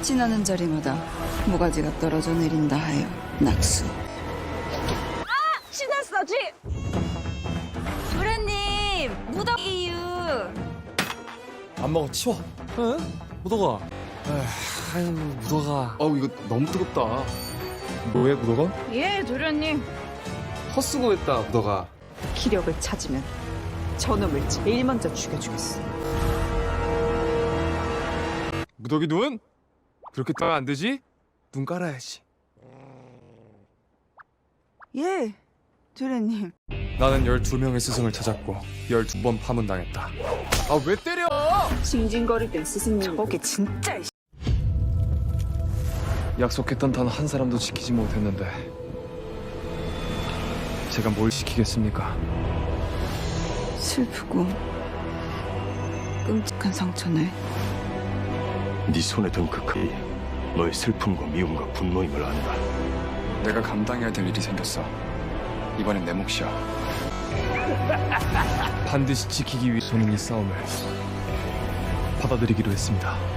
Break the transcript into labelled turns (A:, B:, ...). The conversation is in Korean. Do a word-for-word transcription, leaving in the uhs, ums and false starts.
A: 지나는 자리마다 모가지가 떨어져 내린다 하여 낙수.
B: 신났어, 쥐! 도련님, 무덤 이유.
C: 안 먹어 치워. 응? 묻어가. 아유 묻어가.
D: 어우 이거 너무 뜨겁다.
C: 뭐해 묻어가?
B: 예, 도련님.
D: 헛수고했다 너가.
A: 기력을 찾으면 저놈을 제일 먼저 죽여주겠어.
C: 무더기 눈? 그렇게 따면 안 되지? 눈 깔아야지.
A: 예, 도련님.
C: 나는 열두 명의 스승을 찾았고 열두 번 파문당했다. 아 왜 때려?
A: 징징거리던 스승님. 저게 진짜.
C: 약속했던 단 한 사람도 지키지 못했는데 제가 뭘 지키겠습니까?
A: 슬프고 끔찍한 상처네.
E: 네 손에 든 그 칼이 너의 슬픔과 미움과 분노임을 안다.
D: 내가 감당해야 될 일이 생겼어. 이번엔 내 몫이야.
C: 반드시 지키기 위해 저는 이 싸움을 받아들이기로 했습니다.